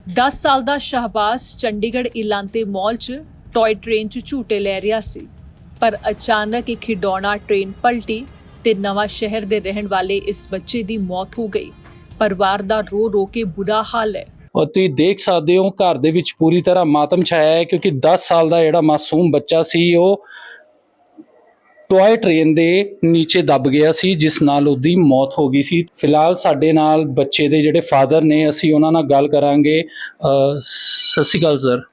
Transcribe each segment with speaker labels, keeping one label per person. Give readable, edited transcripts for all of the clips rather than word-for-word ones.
Speaker 1: 10 ਸਾਲ ਦਾ ਸ਼ਹਬਾਜ਼ ਚੰਡੀਗੜ੍ਹ ਇਲਾਂਤੇ ਮਾਲ 'ਚ ਟॉय ट्रेन 'ਚ ਝੂਟੇ ਲੈ ਰਿਹਾ ਸੀ, ਪਰ ਅਚਾਨਕ ਇੱਕ ਖਿਡੌਣਾ ਟ੍ਰੇਨ ਪਲਟੀ ਤੇ ਨਵਾਂ ਸ਼ਹਿਰ ਦੇ ਰਹਿਣ ਵਾਲੇ ਇਸ ਬੱਚੇ ਦੀ ਮੌਤ ਹੋ ਗਈ। ਪਰਿਵਾਰ ਦਾ ਰੋ ਰੋ ਕੇ ਬੁਰਾ ਹਾਲ ਹੈ।
Speaker 2: और तुसीं देख सकते हो घर दे विच पूरी तरह मातम छाया है, क्योंकि 10 साल का जिहड़ा मासूम बच्चा सी वो टॉय ट्रेन दे नीचे दब गया सी, जिस नाल उहदी मौत हो गई सी। फिलहाल साडे नाल बच्चे दे जिहड़े फादर ने, असीं उहनां नाल गल करांगे। सत श्री अकाल सर।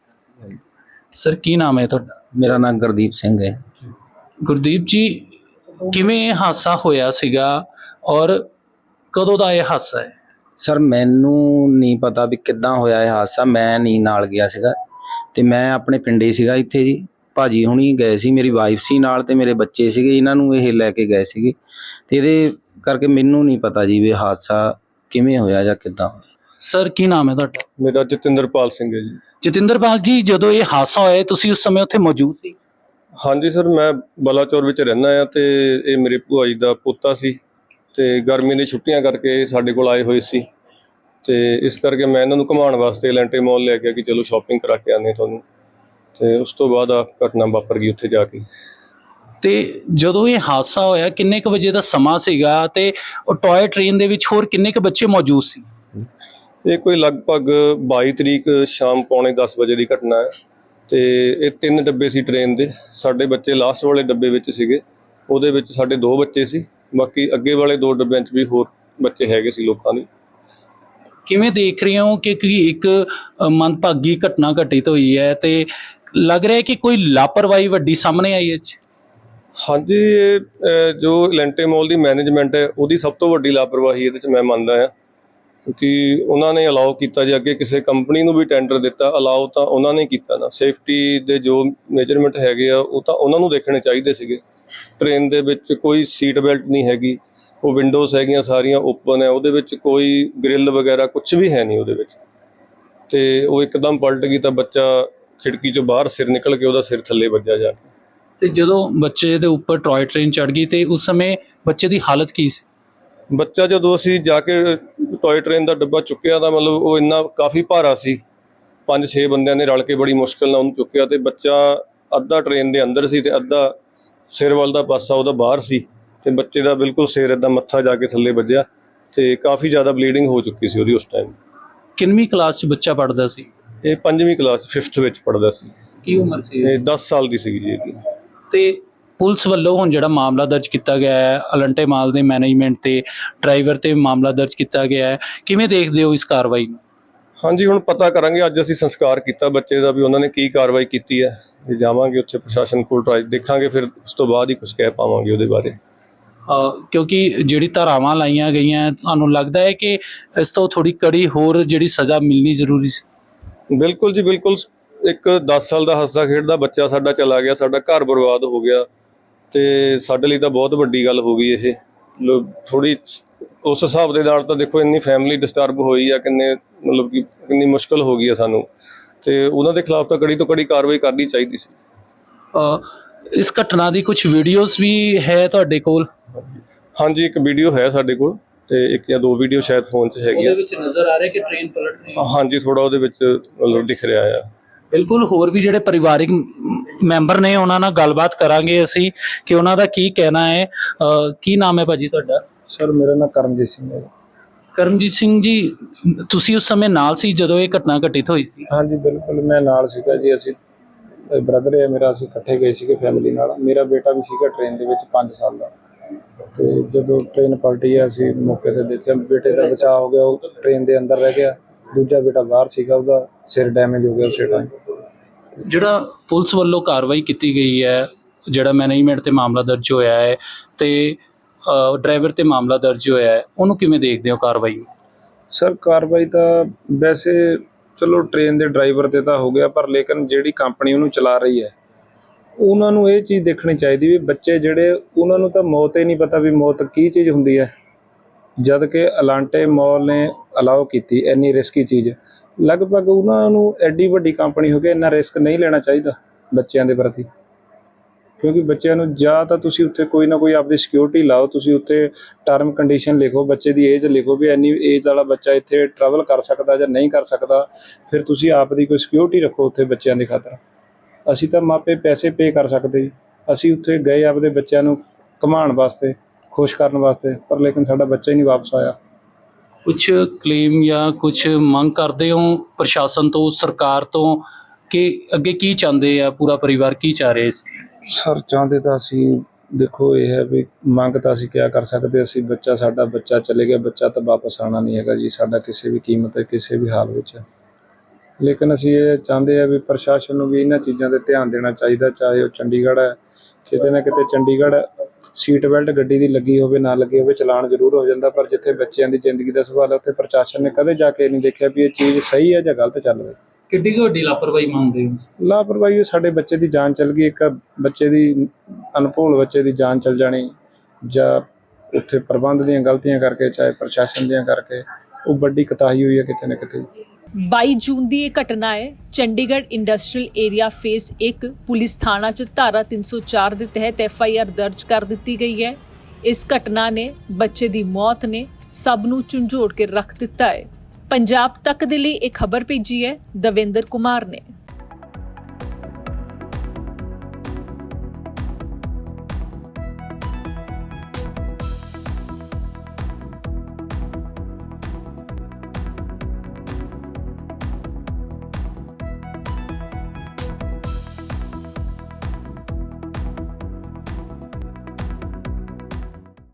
Speaker 2: सर की नाम है तुहाडा?
Speaker 3: मेरा नाम गुरदीप सिंह है।
Speaker 2: गुरदीप जी, किवें ये हादसा होया सीगा और कदों दा ये हादसा है?
Speaker 3: सर मैनू नहीं पता भी किद्दां होया ये हादसा, मैं नहीं नाल गया सीगा ते मैं अपने पिंडे सीगा इत्थे जी। भाजी हुणी गए सी, मेरी वाइफ सी नाल ते मेरे बच्चे सीगे, इन्हां नूं ये लैके गए सीगे ते इहदे करके मैनू नहीं पता जी भी हादसा किवें होया जां किद्दां होया।
Speaker 2: सर की नाम है तुहाडा?
Speaker 4: मेरा जतिंदरपाल सिंह है जी।
Speaker 2: जतिंदरपाल जी, जदों ये हादसा होया तुसीं उस समय उत्थे मौजूद सी?
Speaker 4: हाँ जी सर, मैं बलाचौर विच रहना आ ते ये मेरे भूआ जी दा पोता सी ते गर्मी दी छुट्टियां करके साडे कोल आए होए सी ते इस करके मैं इन्हां नूं घुमाउण वास्ते एलेंटे मॉल ले गया कि चलो शॉपिंग करा के आने तुहानूं, ते उस तो बाद आ घटना वापर गई उत्थे जाके।
Speaker 2: ਤੇ ਜਦੋਂ ਇਹ ਹਾਦਸਾ ਹੋਇਆ ਕਿੰਨੇ ਕੁ ਵਜੇ ਦਾ ਸਮਾਂ ਸੀਗਾ ਤੇ ਉਹ ਟॉय ट्रेन ਦੇ ਵਿੱਚ ਹੋਰ ਕਿੰਨੇ ਕੁ ਬੱਚੇ ਮੌਜੂਦ ਸੀ?
Speaker 4: ਇਹ ਕੋਈ ਲਗਭਗ 22 ਤਰੀਕ ਸ਼ਾਮ ਪੌਣੇ 10 ਵਜੇ ਦੀ ਘਟਨਾ ਹੈ ਤੇ ਇਹ 3 ਡੱਬੇ ਸੀ ਟ੍ਰੇਨ ਦੇ। ਸਾਡੇ ਬੱਚੇ ਲਾਸਟ ਵਾਲੇ ਡੱਬੇ ਵਿੱਚ ਸੀਗੇ, ਉਹਦੇ ਵਿੱਚ ਸਾਡੇ 2 ਬੱਚੇ ਸੀ, ਬਾਕੀ ਅੱਗੇ ਵਾਲੇ 2 ਡੱਬਿਆਂ 'ਚ ਵੀ ਹੋਰ ਬੱਚੇ ਹੈਗੇ ਸੀ ਲੋਕਾਂ ਦੇ।
Speaker 2: ਕਿਵੇਂ ਦੇਖ ਰਹੇ ਹੋ ਕਿ ਇੱਕ ਮੰਦਭਾਗੀ ਘਟਨਾ ਘਟਿਤ ਹੋਈ ਹੈ ਤੇ ਲੱਗ ਰਿਹਾ ਹੈ ਕਿ ਕੋਈ ਲਾਪਰਵਾਹੀ ਵੱਡੀ ਸਾਹਮਣੇ ਆਈ ਹੈ?
Speaker 4: ਹਾਂਜੀ, ਇਹ ਜੋ ਐਲੈਂਟੇ ਮॉल ਦੀ ਮੈਨੇਜਮੈਂਟ ਹੈ ਉਹਦੀ ਸਭ ਤੋਂ ਵੱਡੀ ਲਾਪਰਵਾਹੀ ਇਹਦੇ 'ਚ ਮੈਂ ਮੰਨਦਾ ਹਾਂ, ਕਿਉਂਕਿ ਉਹਨਾਂ ਨੇ ਅਲਾਓ ਕੀਤਾ ਜੇ ਅੱਗੇ ਕਿਸੇ ਕੰਪਨੀ ਨੂੰ ਵੀ ਟੈਂਡਰ ਦਿੱਤਾ, ਅਲਾਓ ਤਾਂ ਉਹਨਾਂ ਨੇ ਕੀਤਾ ਨਾ। ਸੇਫਟੀ ਦੇ ਜੋ ਮੇਜਰਮੈਂਟ ਹੈਗੇ ਆ ਉਹ ਤਾਂ ਉਹਨਾਂ ਨੂੰ ਦੇਖਣੇ ਚਾਹੀਦੇ ਸੀਗੇ। ਟ੍ਰੇਨ ਦੇ ਵਿੱਚ ਕੋਈ ਸੀਟ ਬੈਲਟ ਨਹੀਂ ਹੈਗੀ, ਉਹ ਵਿੰਡੋਜ਼ ਹੈਗੀਆਂ ਸਾਰੀਆਂ ਓਪਨ ਹੈ, ਉਹਦੇ ਵਿੱਚ ਕੋਈ ਗ੍ਰਿਲ ਵਗੈਰਾ ਕੁਝ ਵੀ ਹੈ ਨਹੀਂ ਉਹਦੇ ਵਿੱਚ, ਤੇ ਉਹ ਇੱਕਦਮ ਪਲਟ ਗਈ ਤਾਂ ਬੱਚਾ ਖਿੜਕੀ 'ਚੋਂ ਬਾਹਰ ਸਿਰ ਨਿਕਲ ਕੇ ਉਹਦਾ ਸਿਰ ਥੱਲੇ ਵੱਜਿਆ ਜਾ ਕੇ।
Speaker 2: ਤੇ ਜਦੋਂ ਬੱਚੇ ਦੇ ਉੱਪਰ ਟॉय ट्रेन ਚੜ ਗਈ ਤੇ ਉਸ ਸਮੇਂ ਬੱਚੇ ਦੀ ਹਾਲਤ ਕੀ ਸੀ?
Speaker 4: ਬੱਚਾ ਜਦੋਂ ਅਸੀਂ ਜਾ ਕੇ ਟॉय ट्रेन ਦਾ ਡੱਬਾ ਚੁੱਕਿਆ ਤਾਂ ਮਤਲਬ ਉਹ ਇੰਨਾ ਕਾਫੀ ਭਾਰਾ ਸੀ, 5-6 ਬੰਦਿਆਂ ਨੇ ਰਲ ਕੇ ਬੜੀ ਮੁਸ਼ਕਿਲ ਨਾਲ ਉਹਨੂੰ ਚੁੱਕਿਆ ਤੇ ਬੱਚਾ ਅੱਧਾ ਟ੍ਰੇਨ ਦੇ ਅੰਦਰ ਸੀ ਤੇ ਅੱਧਾ ਸਿਰ ਵੱਲ ਦਾ ਪਾਸਾ ਉਹਦਾ ਬਾਹਰ ਸੀ ਤੇ ਬੱਚੇ ਦਾ ਬਿਲਕੁਲ ਸਿਰ ਇੱਦਾਂ ਮੱਥਾ ਜਾ ਕੇ ਥੱਲੇ ਵੱਜਿਆ ਤੇ ਕਾਫੀ ਜ਼ਿਆਦਾ ਬਲੀਡਿੰਗ ਹੋ ਚੁੱਕੀ ਸੀ ਉਹਦੀ ਉਸ ਟਾਈਮ।
Speaker 2: ਕਿੰਨਵੀਂ ਕਲਾਸ 'ਚ ਬੱਚਾ ਪੜ੍ਹਦਾ ਸੀ?
Speaker 4: ਇਹ 5ਵੀਂ ਕਲਾਸ 5th ਵਿੱਚ ਪੜ੍ਹਦਾ ਸੀ।
Speaker 2: ਕੀ ਉਮਰ ਸੀ?
Speaker 4: ਇਹ 10 ਸਾਲ ਦੀ ਸੀਗੀ ਜੀ ਇਹਦੀ।
Speaker 2: ਤੇ ਪੁਲਿਸ ਵੱਲੋਂ ਹੁਣ ਜਿਹੜਾ ਮਾਮਲਾ ਦਰਜ ਕੀਤਾ ਗਿਆ ਹੈ, ਅਲੰਟੇ ਮਾਲ ਦੇ ਮੈਨੇਜਮੈਂਟ ਤੇ ਡਰਾਈਵਰ ਤੇ ਮਾਮਲਾ ਦਰਜ ਕੀਤਾ ਗਿਆ ਹੈ, ਕਿਵੇਂ ਦੇਖਦੇ ਹੋ ਇਸ ਕਾਰਵਾਈ ਨੂੰ?
Speaker 4: ਹਾਂਜੀ, ਹੁਣ ਪਤਾ ਕਰਾਂਗੇ। ਅੱਜ ਅਸੀਂ ਸੰਸਕਾਰ ਕੀਤਾ ਬੱਚੇ ਦਾ ਵੀ ਉਹਨਾਂ ਨੇ ਕੀ ਕਾਰਵਾਈ ਕੀਤੀ ਹੈ, ਜੇ ਜਾਵਾਂਗੇ ਉੱਥੇ ਪ੍ਰਸ਼ਾਸਨ ਕੋਲ ਟਰਾਈ ਦੇਖਾਂਗੇ, ਫਿਰ ਉਸ ਤੋਂ ਬਾਅਦ ਹੀ ਕੁਝ ਕਹਿ ਪਾਵਾਂਗੇ ਉਹਦੇ ਬਾਰੇ।
Speaker 2: ਕਿਉਂਕਿ ਜਿਹੜੀ ਧਾਰਾਵਾਂ ਲਾਈਆਂ ਗਈਆਂ, ਤੁਹਾਨੂੰ ਲੱਗਦਾ ਹੈ ਕਿ ਇਸ ਤੋਂ ਥੋੜੀ ਕੜੀ ਹੋਰ ਜਿਹੜੀ ਸਜ਼ਾ ਮਿਲਣੀ ਜ਼ਰੂਰੀ ਸੀ?
Speaker 4: ਬਿਲਕੁਲ ਜੀ ਬਿਲਕੁਲ। ਇੱਕ 10 ਸਾਲ ਦਾ ਹੱਸਦਾ ਖੇਡਦਾ ਬੱਚਾ ਸਾਡਾ ਚਲਾ ਗਿਆ, ਸਾਡਾ ਘਰ ਬਰਬਾਦ ਹੋ ਗਿਆ ਤੇ ਸਾਡੇ ਲਈ ਤਾਂ ਬਹੁਤ ਵੱਡੀ ਗੱਲ ਹੋ ਗਈ ਇਹ। ਥੋੜੀ ਉਸ ਹਿਸਾਬ ਦੇ ਨਾਲ ਤਾਂ ਦੇਖੋ ਇੰਨੀ ਫੈਮਿਲੀ ਡਿਸਟਰਬ ਹੋਈ ਆ, ਕਿੰਨੇ ਮਤਲਬ ਕਿ ਕਿੰਨੀ ਮੁਸ਼ਕਿਲ ਹੋ ਗਈ ਆ ਸਾਨੂੰ, ਤੇ ਉਹਨਾਂ ਦੇ ਖਿਲਾਫ ਤਾਂ ਕੜੀ ਤੋਂ ਕੜੀ ਕਾਰਵਾਈ ਕਰਨੀ ਚਾਹੀਦੀ ਸੀ।
Speaker 2: ਇਸ ਘਟਨਾ ਦੀ ਕੁਝ ਵੀਡੀਓਜ਼ ਵੀ ਹੈ ਤੁਹਾਡੇ ਕੋਲ?
Speaker 4: ਹਾਂਜੀ, ਇੱਕ ਵੀਡੀਓ ਹੈ ਸਾਡੇ ਕੋਲ ਤੇ 1 ਜਾਂ 2 ਵੀਡੀਓ ਸ਼ਾਇਦ ਫੋਨ 'ਚ ਹੈਗੀ ਆ।
Speaker 2: ਉਹਦੇ ਵਿੱਚ ਨਜ਼ਰ ਆ ਰਿਹਾ ਕਿ ਟ੍ਰੇਨ ਪਲਟ ਰਹੀ ਹੈ?
Speaker 4: ਹਾਂਜੀ, ਥੋੜਾ ਉਹਦੇ ਵਿੱਚ ਮਤਲਬ ਦਿਖ ਰਿਹਾ ਆ।
Speaker 2: ਬਿਲਕੁਲ, ਹੋਰ ਵੀ ਜਿਹੜੇ ਪਰਿਵਾਰਿਕ ਮੈਂਬਰ ਨੇ ਉਹਨਾਂ ਨਾਲ ਗੱਲਬਾਤ ਕਰਾਂਗੇ ਅਸੀਂ ਕਿ ਉਹਨਾਂ ਦਾ ਕੀ ਕਹਿਣਾ ਹੈ। ਕੀ ਨਾਮ ਹੈ ਭਾਜੀ ਤੁਹਾਡਾ?
Speaker 5: ਸਰ ਮੇਰਾ ਨਾਮ ਕਰਮਜੀਤ ਸਿੰਘ ਹੈ।
Speaker 2: ਕਰਮਜੀਤ ਸਿੰਘ ਜੀ, ਤੁਸੀਂ ਉਸ ਸਮੇਂ ਨਾਲ ਸੀ ਜਦੋਂ ਇਹ ਘਟਨਾ ਘਟਿਤ ਹੋਈ ਸੀ?
Speaker 5: ਹਾਂਜੀ ਬਿਲਕੁਲ, ਮੈਂ ਨਾਲ ਸੀਗਾ ਜੀ। ਅਸੀਂ ਬ੍ਰਦਰ ਹੈ ਮੇਰਾ, ਅਸੀਂ ਇਕੱਠੇ ਗਏ ਸੀਗੇ ਫੈਮਿਲੀ ਨਾਲ। ਮੇਰਾ ਬੇਟਾ ਵੀ ਸੀਗਾ ਟ੍ਰੇਨ ਦੇ ਵਿੱਚ 5 ਸਾਲ ਦਾ, ਤੇ ਜਦੋਂ ਟ੍ਰੇਨ ਪਲਟੀ ਹੈ ਅਸੀਂ ਮੌਕੇ ਤੇ ਦੇਖਿਆ ਬੇਟੇ ਦਾ ਬਚਾਅ ਹੋ ਗਿਆ, ਉਹ ਟ੍ਰੇਨ ਦੇ ਅੰਦਰ ਰਹਿ ਗਿਆ। ਦੂਜਾ ਬੇਟਾ ਬਾਹਰ ਸੀਗਾ, ਉਹਦਾ ਸਿਰ ਡੈਮੇਜ ਹੋ ਗਿਆ ਉਸੇ ਟਾਈਮ।
Speaker 2: ਜਿਹੜਾ ਪੁਲਿਸ ਵੱਲੋਂ ਕਾਰਵਾਈ ਕੀਤੀ ਗਈ ਹੈ, ਜਿਹੜਾ ਮੈਨੇਜਮੈਂਟ ਤੇ ਮਾਮਲਾ ਦਰਜ ਹੋਇਆ ਹੈ ਤੇ ਡਰਾਈਵਰ ਤੇ ਮਾਮਲਾ ਦਰਜ ਹੋਇਆ ਹੈ, ਉਹਨੂੰ ਕਿਵੇਂ ਦੇਖਦੇ ਹੋ ਕਾਰਵਾਈ?
Speaker 5: ਸਰ ਕਾਰਵਾਈ ਤਾਂ ਵੈਸੇ ਚਲੋ ਟ੍ਰੇਨ ਦੇ ਡਰਾਈਵਰ ਤੇ ਤਾਂ ਹੋ ਗਿਆ, ਪਰ ਲੇਕਿਨ ਜਿਹੜੀ ਕੰਪਨੀ ਉਹਨੂੰ ਚਲਾ ਰਹੀ ਹੈ ਉਹਨਾਂ ਨੂੰ ਇਹ ਚੀਜ਼ ਦੇਖਣੀ ਚਾਹੀਦੀ ਵੀ ਬੱਚੇ ਜਿਹੜੇ, ਉਹਨਾਂ ਨੂੰ ਤਾਂ ਮੌਤ ਹੀ ਨਹੀਂ ਪਤਾ ਵੀ ਮੌਤ ਕੀ ਚੀਜ਼ ਹੁੰਦੀ ਹੈ, ਜਦ ਕਿ ਅਲਾਂਟੇ ਮਾਲ ਨੇ ਅਲਾਓ ਕੀਤੀ ਇੰਨੀ ਰਿਸਕੀ ਚੀਜ਼। ਲਗਭਗ ਉਹਨਾਂ ਨੂੰ ਐਡੀ ਵੱਡੀ ਕੰਪਨੀ ਹੋ ਕੇ ਇੰਨਾ ਰਿਸਕ ਨਹੀਂ ਲੈਣਾ ਚਾਹੀਦਾ ਬੱਚਿਆਂ ਦੇ ਪ੍ਰਤੀ। ਕਿਉਂਕਿ ਬੱਚਿਆਂ ਨੂੰ ਜਾਂ ਤਾਂ ਤੁਸੀਂ ਉੱਥੇ ਕੋਈ ਨਾ ਕੋਈ ਆਪਦੀ ਸਿਕਿਉਰਿਟੀ ਲਾਓ, ਤੁਸੀਂ ਉੱਥੇ ਟਰਮ ਕੰਡੀਸ਼ਨ ਲਿਖੋ, ਬੱਚੇ ਦੀ ਏਜ ਲਿਖੋ ਵੀ ਇੰਨੀ ਏਜ ਵਾਲਾ ਬੱਚਾ ਇੱਥੇ ਟਰੈਵਲ ਕਰ ਸਕਦਾ ਜਾਂ ਨਹੀਂ ਕਰ ਸਕਦਾ। ਫਿਰ ਤੁਸੀਂ ਆਪ ਦੀ ਕੋਈ ਸਿਕਿਉਰਿਟੀ ਰੱਖੋ ਉੱਥੇ ਬੱਚਿਆਂ ਦੀ ਖਾਤਰ। ਅਸੀਂ ਤਾਂ ਮਾਪੇ ਪੈਸੇ ਪੇ ਕਰ ਸਕਦੇ ਜੀ, ਅਸੀਂ ਉੱਥੇ ਗਏ ਆਪਦੇ ਬੱਚਿਆਂ ਨੂੰ ਘੁਮਾਉਣ ਵਾਸਤੇ, ਖੁਸ਼ ਕਰਨ ਵਾਸਤੇ, ਪਰ ਲੇਕਿਨ ਸਾਡਾ ਬੱਚਾ ਹੀ ਨਹੀਂ ਵਾਪਸ ਆਇਆ।
Speaker 2: ਕੁਛ ਕਲੇਮ ਜਾਂ ਕੁਛ ਮੰਗ ਕਰਦੇ ਹੋ ਪ੍ਰਸ਼ਾਸਨ ਤੋਂ, ਸਰਕਾਰ ਤੋਂ, ਕਿ ਅੱਗੇ ਕੀ ਚਾਹੁੰਦੇ ਆ, ਪੂਰਾ ਪਰਿਵਾਰ ਕੀ ਚਾਹ ਰਹੇ ਸੀ?
Speaker 5: ਸਰ ਚਾਹੁੰਦੇ ਤਾਂ ਅਸੀਂ ਦੇਖੋ ਇਹ ਹੈ ਵੀ ਮੰਗ ਤਾਂ ਅਸੀਂ ਕਿਆ ਕਰ ਸਕਦੇ, ਅਸੀਂ ਸਾਡਾ ਬੱਚਾ ਚਲੇ ਗਿਆ, ਬੱਚਾ ਤਾਂ ਵਾਪਸ ਆਉਣਾ ਨਹੀਂ ਹੈਗਾ ਜੀ ਸਾਡਾ ਕਿਸੇ ਵੀ ਕੀਮਤ 'ਤੇ, ਕਿਸੇ ਵੀ ਹਾਲ ਵਿੱਚ। ਲੇਕਿਨ ਅਸੀਂ ਇਹ ਚਾਹੁੰਦੇ ਆ ਵੀ ਪ੍ਰਸ਼ਾਸਨ ਨੂੰ ਵੀ ਇਹਨਾਂ ਚੀਜ਼ਾਂ 'ਤੇ ਧਿਆਨ ਦੇਣਾ ਚਾਹੀਦਾ, ਚਾਹੇ ਉਹ ਚੰਡੀਗੜ੍ਹ ਹੈ, ਕਿਤੇ ਨਾ ਕਿਤੇ ਚੰਡੀਗੜ੍ਹ ਸੀਟ ਬੈਲਟ ਗੱਡੀ ਦੀ ਲੱਗੀ ਹੋਵੇ ਨਾ ਲੱਗੀ ਹੋਵੇ ਚਲਾਨ ਜ਼ਰੂਰ ਹੋ ਜਾਂਦਾ, ਪਰ ਜਿੱਥੇ ਬੱਚਿਆਂ ਦੀ ਜ਼ਿੰਦਗੀ ਦਾ ਸਵਾਲ ਹੈ ਉੱਥੇ ਪ੍ਰਸ਼ਾਸਨ ਨੇ ਕਦੇ ਜਾ ਕੇ ਨਹੀਂ ਦੇਖਿਆ ਵੀ ਇਹ ਚੀਜ਼ ਸਹੀ ਹੈ ਜਾਂ ਗਲਤ ਚੱਲ ਰਹੀ।
Speaker 2: ਕਿੱਡੀ ਕੁ ਵੱਡੀ ਲਾਪਰਵਾਹੀ ਮੰਨਦੇ ਹੋ?
Speaker 5: ਲਾਪਰਵਾਹੀ ਸਾਡੇ ਬੱਚੇ ਦੀ ਜਾਨ ਚਲ ਗਈ, ਇੱਕ ਬੱਚੇ ਦੀ ਅਨਭੋਲ ਬੱਚੇ ਦੀ ਜਾਨ ਚਲ ਜਾਣੀ, ਜਾਂ ਉੱਥੇ ਪ੍ਰਬੰਧ ਦੀਆਂ ਗਲਤੀਆਂ ਕਰਕੇ, ਚਾਹੇ ਪ੍ਰਸ਼ਾਸਨ ਦੀਆਂ ਕਰਕੇ, ਉਹ ਵੱਡੀ ਕੁਤਾਹੀ ਹੋਈ ਹੈ ਕਿਤੇ ਨਾ ਕਿਤੇ।
Speaker 1: 22 ਜੂਨ ਦੀ ਇਹ ਘਟਨਾ ਹੈ। Chandigarh industrial area phase 1 police ਥਾਣਾ 'ਚ ਧਾਰਾ 304 ਦੇ ਤਹਿਤ FIR ਦਰਜ ਕਰ ਦਿੱਤੀ ਗਈ ਹੈ। ਇਸ ਘਟਨਾ ਨੇ ਬੱਚੇ ਦੀ ਮੌਤ ਨੇ ਸਭ ਨੂੰ ਝੰਜੋੜ ਕੇ ਰੱਖ ਦਿੱਤਾ ਹੈ। ਪੰਜਾਬ ਤੱਕ ਦੇ ਲਈ ਇਹ ਖਬਰ ਭੇਜੀ ਹੈ ਦਵਿੰਦਰ ਕੁਮਾਰ ਨੇ।